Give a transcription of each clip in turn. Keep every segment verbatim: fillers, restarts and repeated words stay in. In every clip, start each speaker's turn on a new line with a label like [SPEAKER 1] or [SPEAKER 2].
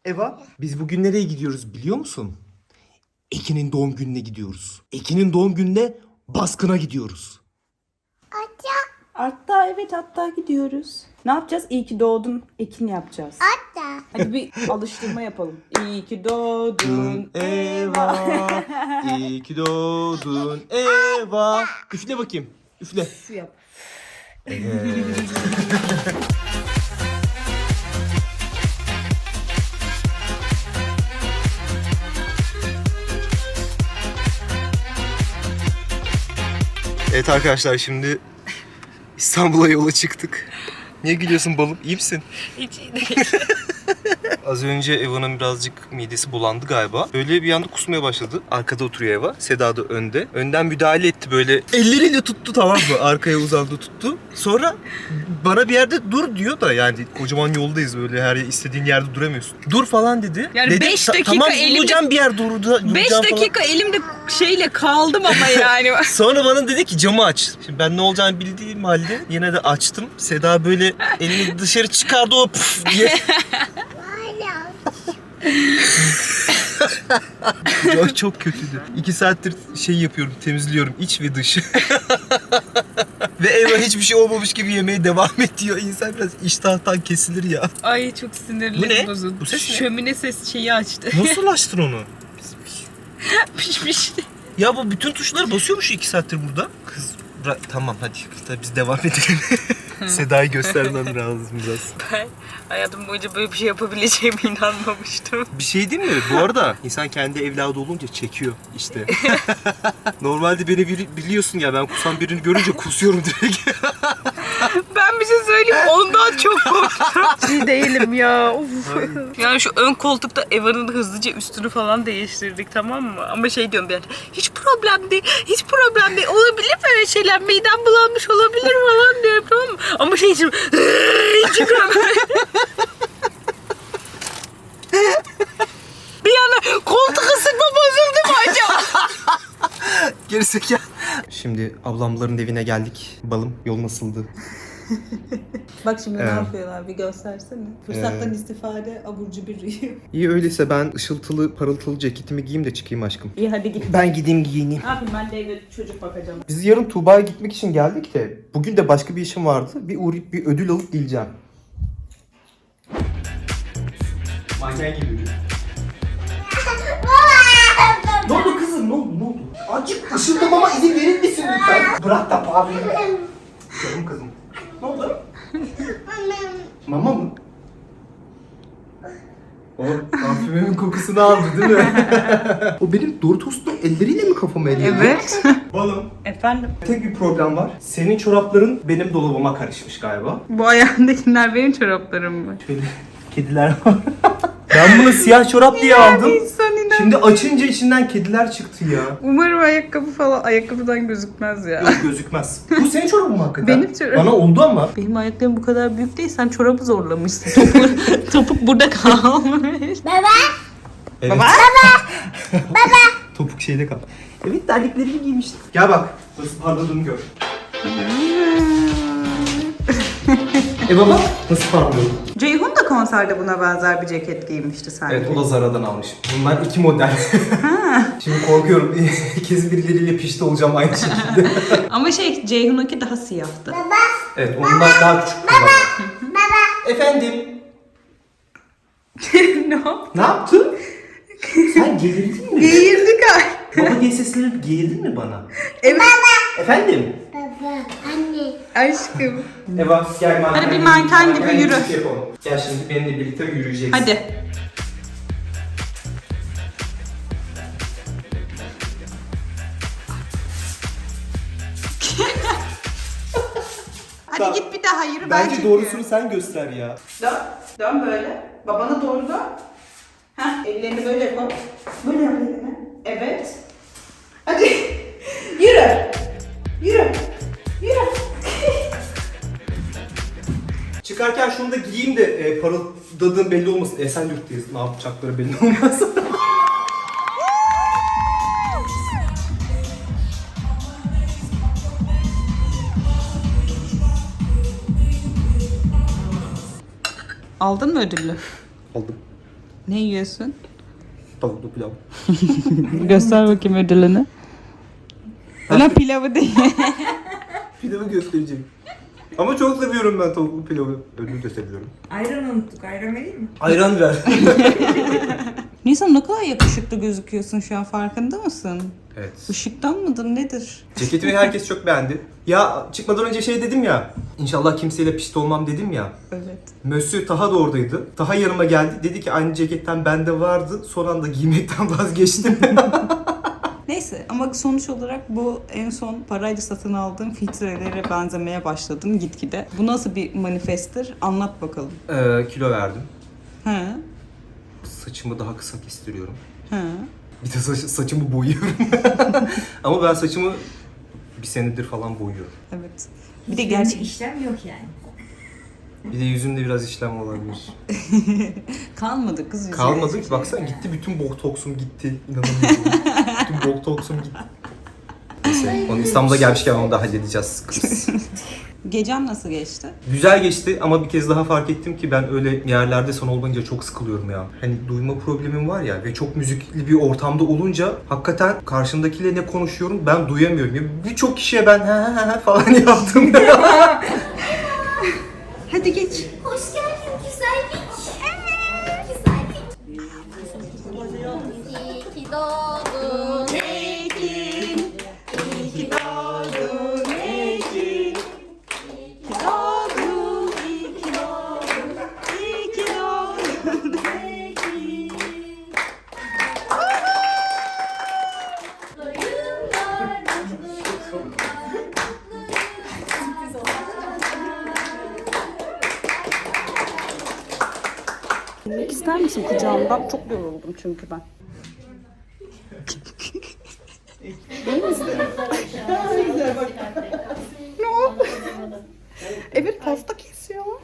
[SPEAKER 1] Eva, biz bugün nereye gidiyoruz biliyor musun? Ekin'in doğum gününe gidiyoruz. Ekin'in doğum gününe baskına gidiyoruz.
[SPEAKER 2] Hatta evet hatta gidiyoruz. Ne yapacağız? İyi ki doğdun Ekin yapacağız.
[SPEAKER 3] Hatta.
[SPEAKER 2] Hadi bir alıştırma yapalım. İyi ki doğdun
[SPEAKER 1] Eva, iyi ki doğdun Eva. Üfle bakayım, üfle.
[SPEAKER 2] Şu yap.
[SPEAKER 1] Evet arkadaşlar, şimdi İstanbul'a yola çıktık. Niye gülüyorsun balım? İyi misin?
[SPEAKER 2] Hiç iyi değil.
[SPEAKER 1] Az önce Eva'nın birazcık midesi bulandı galiba. Böyle bir anda kusmaya başladı. Arkada oturuyor Eva. Seda da önde. Önden müdahale etti böyle. Elleriyle tuttu, tamam mı? Arkaya uzandı tuttu. Sonra bana bir yerde dur diyor da, yani kocaman yoldayız, böyle her istediğin yerde duramıyorsun. Dur falan dedi.
[SPEAKER 2] Yani
[SPEAKER 1] Dedim,
[SPEAKER 2] beş
[SPEAKER 1] "Ta-
[SPEAKER 2] dakika
[SPEAKER 1] tamam,
[SPEAKER 2] elimde-
[SPEAKER 1] bulacağım bir yer dur, duracağım
[SPEAKER 2] beş
[SPEAKER 1] falan."
[SPEAKER 2] dakika elimde şeyle kaldım ama yani.
[SPEAKER 1] Sonra bana dedi ki camı aç. Şimdi ben ne olacağını bildiğim halde yine de açtım. Seda böyle elini dışarı çıkardı, o puf diye. çok, çok kötüydü. İki saattir şey yapıyorum, temizliyorum iç ve dış. Ve Eva hiçbir şey olmamış gibi yemeye devam ediyor. İnsan biraz iştahtan kesilir ya.
[SPEAKER 2] Ay çok sinirli.
[SPEAKER 1] Bu ne?
[SPEAKER 2] bozuldu.
[SPEAKER 1] Bu ses ne?
[SPEAKER 2] Şömine ses şeyi açtı.
[SPEAKER 1] Nasıl açtın onu?
[SPEAKER 2] Pişmişti.
[SPEAKER 1] Ya bu bütün tuşları basıyormuş iki saattir burada. Kız bırak, tamam hadi, hadi biz devam edelim. Seda'yı göstermem lazım biraz.
[SPEAKER 2] Ben hayatım boyunca böyle bir şey yapabileceğime inanmamıştım.
[SPEAKER 1] Bir şey değil mi? Bu arada insan kendi evladı olunca çekiyor işte. Normalde beni biri, biliyorsun ya, ben kusan birini görünce kusuyorum direkt.
[SPEAKER 2] Ben bir şey söyleyeyim, ondan çok korktum. Şey değilim ya. Of. Yani şu ön koltukta Eva'nın hızlıca üstünü falan değiştirdik, tamam mı? Ama şey diyorum bir yerde, hiç problem değil, hiç problem değil. Olabilir böyle şeyler, midem bulanmış olabilir falan diyorum, tamam mı? Ama şey için çıkıyor böyle. Bir yana koltuk ısıtma bozuldu mu acaba?
[SPEAKER 1] Gerizekalı. Şimdi ablamların evine geldik. Balım, yol nasıldı?
[SPEAKER 2] Bak şimdi
[SPEAKER 1] Evet.
[SPEAKER 2] ne yapıyorlar bir göstersene. Fırsattan istifade aburcu bir rüyum.
[SPEAKER 1] İyi, öyleyse ben ışıltılı parıltılı ceketimi giyeyim de çıkayım aşkım.
[SPEAKER 2] İyi hadi git.
[SPEAKER 1] Ben gideyim giyineyim.
[SPEAKER 2] Ne yapayım, ben de evde çocuk bakacağım.
[SPEAKER 1] Biz yarın Tuğba'ya gitmek için geldik de bugün de başka bir işim vardı. Bir uğrayıp bir ödül alıp geleceğim. Manken gibi. Ne oldu kızım? Ne oldu? Ne oldu? Azıcık ışıltımama izin verir misin lütfen? Bırak da abi. Canım kızım. Ne oldu? Mama mı? O parfümümün kokusunu aldı değil mi? O benim Doritos'lu elleriyle mi kafamı elledi?
[SPEAKER 2] Evet.
[SPEAKER 1] Balım.
[SPEAKER 2] Efendim?
[SPEAKER 1] Tek bir problem var. Senin çorapların benim dolabıma karışmış galiba.
[SPEAKER 2] Bu ayağındakiler benim çoraplarım mı?
[SPEAKER 1] Şöyle kediler var. Ben bunu siyah çorap diye aldım.
[SPEAKER 2] İnsan inan.
[SPEAKER 1] Şimdi açınca içinden kediler çıktı ya.
[SPEAKER 2] Umarım ayakkabı falan ayakkabıdan gözükmez ya.
[SPEAKER 1] Yok, gözükmez. Bu senin çorabın mı hakikaten?
[SPEAKER 2] Benim çorabım.
[SPEAKER 1] Bana oldu ama.
[SPEAKER 2] Benim ayaklarım bu kadar büyük değil, sen çorabı zorlamışsın. Topuk, topuk burada kalmış.
[SPEAKER 3] Baba.
[SPEAKER 1] Evet.
[SPEAKER 2] Baba.
[SPEAKER 3] Baba.
[SPEAKER 1] Topuk şeyde kal. Evet, terliklerimi giymiştim. Gel bak. Nasıl parladığımı gör. e baba, nasıl parlıyor?
[SPEAKER 2] Ceyhun da konserde buna benzer bir ceket giymişti sanki.
[SPEAKER 1] Evet, o da Zara'dan almış. Bunlar iki model. Şimdi korkuyorum. Kesin birileriyle pişti olacağım aynı şekilde.
[SPEAKER 2] Ama şey, Ceyhun'unki daha siyahtı.
[SPEAKER 3] Baba.
[SPEAKER 1] Evet, ondan daha küçük. Baba.
[SPEAKER 3] Baba.
[SPEAKER 1] Efendim?
[SPEAKER 2] Ne yaptın?
[SPEAKER 1] Ne yaptın? Sen gerildin mi?
[SPEAKER 2] Geğirdik ay.
[SPEAKER 1] Baba diye seslenip gerildin mi bana?
[SPEAKER 2] Evet.
[SPEAKER 1] Efendim?
[SPEAKER 3] Baba. Anne.
[SPEAKER 2] Aşkım.
[SPEAKER 1] Eva gel manken.
[SPEAKER 2] Hadi bir manken gibi yürü.
[SPEAKER 1] gibi yapalım. Gel şimdi benimle birlikte yürüyeceksin.
[SPEAKER 2] Hadi. Hadi
[SPEAKER 1] Tamam.
[SPEAKER 2] git bir daha yürü.
[SPEAKER 1] Bence
[SPEAKER 2] çekiyorum.
[SPEAKER 1] doğrusunu sen göster ya.
[SPEAKER 2] Dön. Dön böyle. Babana doğru dön. Heh, ellerini böyle yap. Böyle yap elini. Evet. Hadi. Yürü. Yürü. Yürü.
[SPEAKER 1] Çıkarken şunu da giyeyim de e, parıldadığım belli olmasın. Esenyurt'tayız. Ne yapacakları belli olmaz.
[SPEAKER 2] Aldın mı ödülü?
[SPEAKER 1] Aldım.
[SPEAKER 2] Ne yiyorsun?
[SPEAKER 1] Tavuklu pilav.
[SPEAKER 2] Göster bakayım ödülünü. Ulan pilavı değil.
[SPEAKER 1] Pilavı göstereceğim. Ama çok seviyorum ben tavuklu pilavı. Ödül de seviyorum.
[SPEAKER 4] Ayran unuttuk. Ayran vereyim mi?
[SPEAKER 1] Ayran ver.
[SPEAKER 2] Nisan ne kadar yakışıklı gözüküyorsun şu an, farkında mısın?
[SPEAKER 1] Evet.
[SPEAKER 2] Işıktan mıdır nedir?
[SPEAKER 1] Ceketimi herkes çok beğendi. Ya çıkmadan önce şey dedim ya. İnşallah kimseyle pişti olmam dedim ya.
[SPEAKER 2] Evet.
[SPEAKER 1] Mösyö Taha da oradaydı. Taha yanıma geldi. Dedi ki aynı ceketten bende vardı. Son anda giymekten vazgeçtim.
[SPEAKER 2] Neyse ama sonuç olarak bu en son parayla satın aldığım filtrelere benzemeye başladım gitgide. Bu nasıl bir manifesttir? Anlat bakalım.
[SPEAKER 1] ee, kilo verdim.
[SPEAKER 2] He.
[SPEAKER 1] Saçımı daha kısa kestiriyorum.
[SPEAKER 2] He.
[SPEAKER 1] Bir de saç, saçımı boyuyorum. Ama ben saçımı bir senedir falan boyuyorum.
[SPEAKER 2] Evet. Bir de
[SPEAKER 4] Hiçbirinde
[SPEAKER 2] gerçek
[SPEAKER 4] işlem yok yani.
[SPEAKER 1] Bir de yüzümde biraz işlem olabilir.
[SPEAKER 2] kalmadı kız yüzüne.
[SPEAKER 1] Kalmadı ki baksana gitti bütün botoksum gitti. İnanamıyorum. Bütün botoksum gitti. Neyse onu İstanbul'a gelmişken onu da halledeceğiz kız.
[SPEAKER 2] Gecen nasıl geçti?
[SPEAKER 1] Güzel geçti ama bir kez daha fark ettim ki ben öyle yerlerde son olmayınca çok sıkılıyorum ya. Hani duyma problemim var ya ve çok müzikli bir ortamda olunca hakikaten karşımdakiyle ne konuşuyorum ben duyamıyorum. Ya birçok kişiye ben he he he falan yaptım.
[SPEAKER 2] Hadi geç.
[SPEAKER 3] Hoş geldin güzellik. Evet. Güzellik. İyi ki doğdun.
[SPEAKER 2] Ekin, iyi ki doğdun Ekin. İyi ki doğdun, iyi ki doğdun, iyi ki doğdun Ekin. Bilmek ister misin kucağımdan? Çok yoruldum çünkü ben. Ne oldu? Evet pasta kesiyorlar.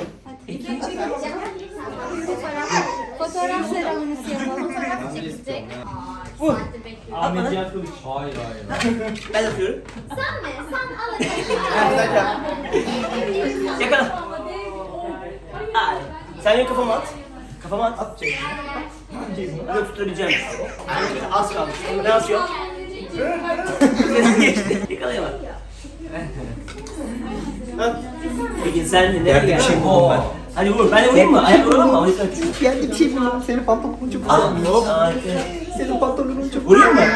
[SPEAKER 3] Fotoğraf seremonisi yapalım. Fotoğraf çekecek.
[SPEAKER 5] Ahmet Yakoviç. Hayır hayır. Ben yapıyorum.
[SPEAKER 3] Sen mi? Sen al.
[SPEAKER 5] Yakala. Ay. Sen benim kafama at. Kafama at. At çek. Bunu tutabileceğim. Az kalmış. Ne atıyor? Yakalayamam. Peki sen de nereye
[SPEAKER 1] Yerde bir
[SPEAKER 5] geldin?
[SPEAKER 1] şey buldum ben.
[SPEAKER 5] Hadi vur. Ben de vurayım mı? Ayak vuralım mı? Hadi sen.
[SPEAKER 1] Geldi bir şey buldum. Senin pantolonun çok
[SPEAKER 5] Aa,
[SPEAKER 1] Senin pantolonun çok
[SPEAKER 5] vurayım mı?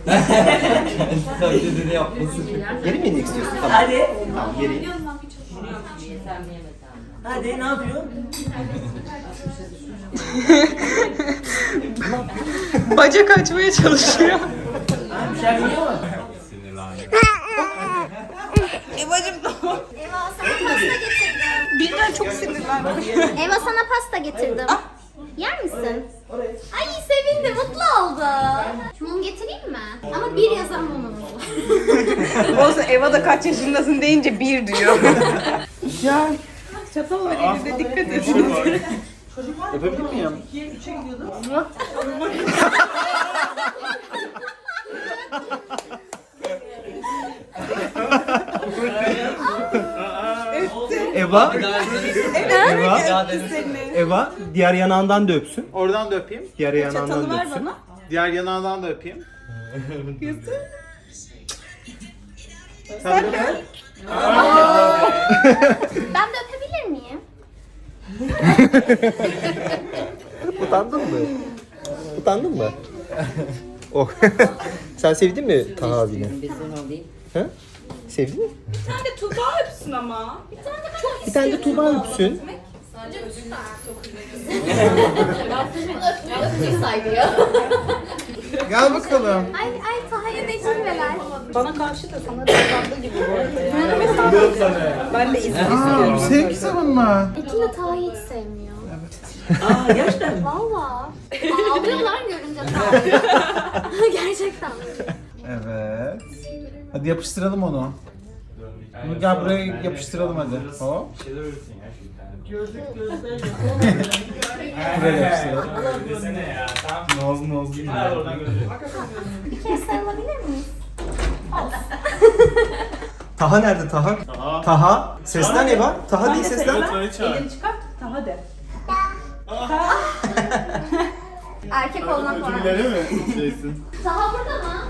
[SPEAKER 1] Tabii yapmasın. Geri mi inmek istiyorsun? Tamam.
[SPEAKER 5] Hadi.
[SPEAKER 1] Tamam geri.
[SPEAKER 5] Hadi ne yapıyor?
[SPEAKER 2] Bacak açmaya çalışıyor.
[SPEAKER 5] Ha, bir şey biliyor mu?
[SPEAKER 2] Evacım da
[SPEAKER 3] Eva sana pasta getirdim.
[SPEAKER 2] birden çok sinirlendim.
[SPEAKER 3] Eva sana pasta getirdim. Yer misin? Ay sevindi, mutlu oldu. Mum getireyim mi? Ama bir yazan mumumuz var.
[SPEAKER 2] Olsun Eva da kaç yaşındasın deyince bir diyor. Ya çatal var elinde, dikkat edin.
[SPEAKER 1] Yapabilir miyim? Eva, Eva, Eva diğer yanağından da öpsün.
[SPEAKER 6] Oradan da öpeyim.
[SPEAKER 1] Diğer yanağından
[SPEAKER 2] Çatalı
[SPEAKER 1] da
[SPEAKER 2] ver
[SPEAKER 1] öpsün.
[SPEAKER 2] bana.
[SPEAKER 6] Diğer yanağından da öpeyim.
[SPEAKER 3] Ben de öpebilir miyim?
[SPEAKER 1] Utandın mı? Utandın mı? Oh. Sen sevdin mi Taha abini? Ha? Sevdin mi?
[SPEAKER 2] Bir tane Tuğba öpsün ama.
[SPEAKER 1] Bir tane de Tuğba öpsün.
[SPEAKER 3] Öpücük saygıyor.
[SPEAKER 6] Gel bakalım.
[SPEAKER 3] Ay ay Taha'ya da cilveler.
[SPEAKER 2] Bana karşı da sana davrandığı gibi bu arada. Yani mesela ben de izin istiyorum.
[SPEAKER 6] Sevgisi bunlar.
[SPEAKER 3] Ekin de Taha'yı hiç sevmiyor.
[SPEAKER 5] Aa gerçekten mi?
[SPEAKER 3] Valla. Ağlıyorlar görünce Taha'yı. Gerçekten.
[SPEAKER 6] Evet. Hadi yapıştıralım onu. Bunu gel buraya yapıştıralım hadi. Hop. Buraya yapıştıralım. Nozlu nozlu gibi.
[SPEAKER 3] Bir kez sarılabilir miyiz?
[SPEAKER 1] Taha nerede Taha? Taha. Seslen Eva. Taha değil seslen.
[SPEAKER 2] Elini çıkart, daha de.
[SPEAKER 3] Erkek olmak var.
[SPEAKER 6] Öyle mi şeysin?
[SPEAKER 3] Taha burada mı?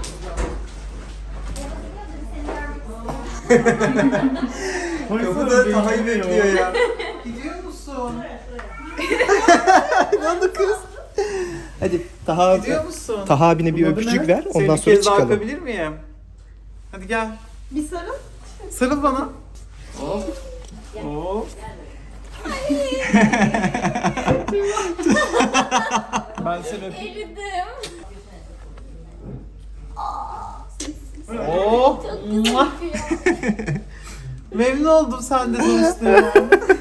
[SPEAKER 1] Kapıda Taha'yı bekliyor ya.
[SPEAKER 6] Gidiyor musun?
[SPEAKER 1] Ne oldu kız? Hadi Taha,
[SPEAKER 6] Gidiyor musun?
[SPEAKER 1] Taha abine bir
[SPEAKER 6] Bunun adı
[SPEAKER 1] öpücük
[SPEAKER 6] ne?
[SPEAKER 1] ver,
[SPEAKER 6] Seni
[SPEAKER 1] ondan
[SPEAKER 6] bir
[SPEAKER 1] sonra
[SPEAKER 6] kez daha
[SPEAKER 1] çıkalım.
[SPEAKER 6] öpebilir miyim? Hadi gel.
[SPEAKER 3] Bir sarıl.
[SPEAKER 6] Sarıl bana. Hop. Hop. Ben seni öpeyim.
[SPEAKER 3] Eridim.
[SPEAKER 6] Oh. Mua. Memnun oldum sen de tanıştığıma.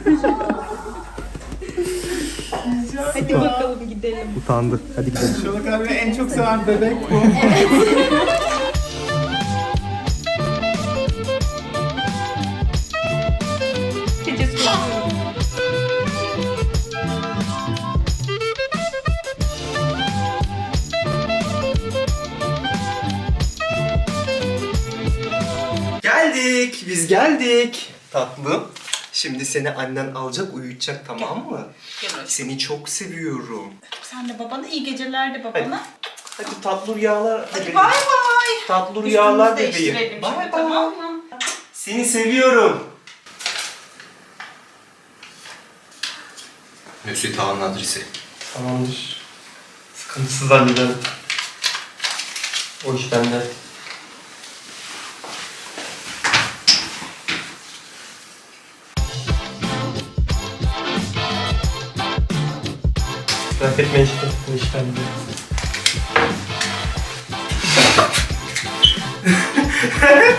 [SPEAKER 2] Hadi bakalım gidelim.
[SPEAKER 1] Utandı. Hadi gidelim.
[SPEAKER 6] Şolak abi en çok seven bebek bu.
[SPEAKER 2] Gecesi kullanıyorum.
[SPEAKER 1] Geldik. Biz geldik. Tatlım. Şimdi seni annen alacak, uyutacak, tamam mı?
[SPEAKER 2] Gel aşkım.
[SPEAKER 1] Seni çok seviyorum.
[SPEAKER 2] Sen de babana iyi geceler de babana.
[SPEAKER 1] Hadi tatlı rüyalar.
[SPEAKER 2] Hadi bay bay.
[SPEAKER 1] Tatlı rüyalar
[SPEAKER 2] Üstümüzü
[SPEAKER 1] bebeğim.
[SPEAKER 2] değiştirelim
[SPEAKER 1] Bay
[SPEAKER 2] şimdi,
[SPEAKER 1] bay.
[SPEAKER 2] tamam mı?
[SPEAKER 1] Seni seviyorum. Mesut Ağa'nın adresi.
[SPEAKER 5] Tamamdır. Sıkıntısız hallederim. O iş bende. Merak etme işte. O iş bende.